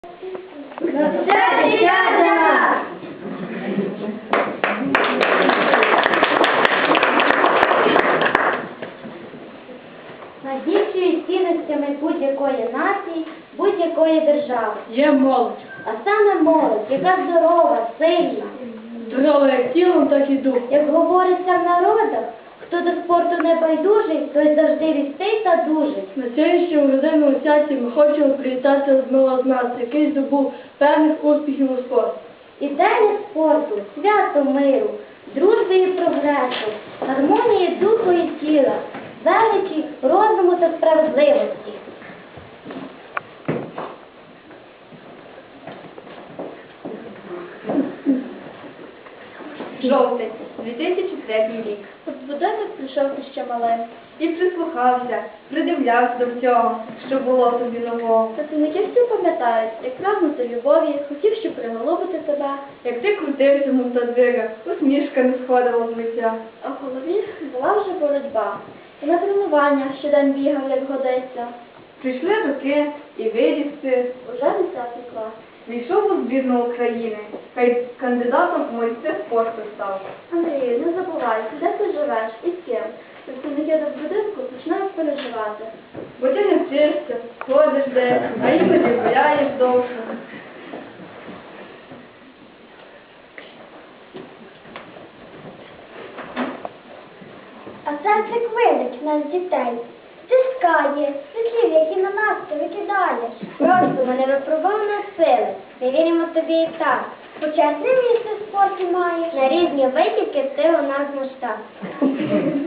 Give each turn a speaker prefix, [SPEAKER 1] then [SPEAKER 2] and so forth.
[SPEAKER 1] На все дівчата!
[SPEAKER 2] Найбільшою цінностями будь-якої нації, будь-якої держави.
[SPEAKER 1] Є молодь.
[SPEAKER 2] А саме молодь, яка здорова, сильна.
[SPEAKER 1] Здорова як тілом, так і духом.
[SPEAKER 2] Як говориться в народах, хто до спорту не байдужий, той завжди рістий та дужий.
[SPEAKER 1] На сьогоднішньому родинному святі ми хочемо привітати одного з нас, який здобув певних успіхів у спорті.
[SPEAKER 2] Ідея спорту, свято миру, дружби і прогресу, гармонії духу і тіла, величі розуму та справедливості.
[SPEAKER 3] Жовтень, 2003 рік.
[SPEAKER 2] От будинок прийшов ти ще малим.
[SPEAKER 3] І прислухався, придивлявся до всього, що було тобі нового.
[SPEAKER 2] Працівники всі пам'ятають, як прагнути любові, хотів, щоб приголубити тебе,
[SPEAKER 3] Як ти крутився в мотодвигах, усмішка не сходила з лиця.
[SPEAKER 2] а в голові була вже боротьба. І на тренування щодень бігав, як годиться.
[SPEAKER 3] Прийшли роки і виріс ти,
[SPEAKER 2] Уже 10 клас.
[SPEAKER 3] війшов у збірну України, хай кандидатом у майстри спорту став.
[SPEAKER 2] Андрію, не забувай, де ти живеш і з ким. Працівники до будинку починають переживати.
[SPEAKER 3] Бо ти не вчишся, ходиш десь, а іноді гуляєш довше.
[SPEAKER 2] А серце квилить нас дітей, стискає, слів, які на нас ти викидаєш. Просто мене випробована сили, ми віримо тобі і так. Почесне місце в спорті маєш. На різні витівки ти у нас масштаб.